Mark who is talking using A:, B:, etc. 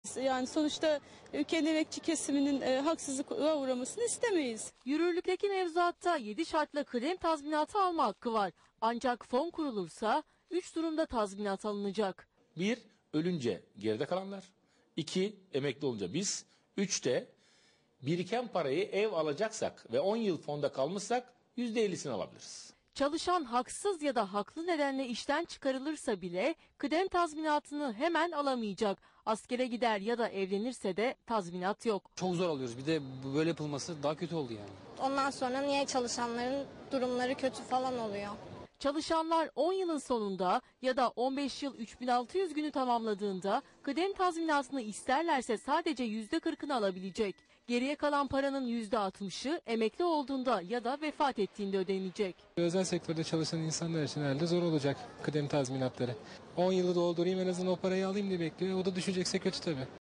A: Yani sonuçta ülkenin emekçi kesiminin haksızlığa uğramasını istemeyiz.
B: Yürürlükteki mevzuatta 7 şartla kıdem tazminatı alma hakkı var. Ancak fon kurulursa 3 durumda tazminat alınacak.
C: 1. Ölünce geride kalanlar. 2. Emekli olunca biz. 3 de biriken parayı ev alacaksak ve 10 yıl fonda kalmışsak %50'sini alabiliriz.
B: Çalışan haksız ya da haklı nedenle işten çıkarılırsa bile kıdem tazminatını hemen alamayacak. Askere gider ya da evlenirse de tazminat yok.
D: Çok zor alıyoruz. Bir de böyle yapılması daha kötü oldu yani.
E: Ondan sonra niye çalışanların durumları kötü falan oluyor?
B: Çalışanlar 10 yılın sonunda ya da 15 yıl 3600 günü tamamladığında kıdem tazminatını isterlerse sadece %40'ını alabilecek. Geriye kalan paranın %60'ı emekli olduğunda ya da vefat ettiğinde ödenecek.
F: Özel sektörde çalışan insanlar için herhalde zor olacak kıdem tazminatları. 10 yılı doldurayım en azından o parayı alayım diye bekliyor. O da düşecekse kötü tabii.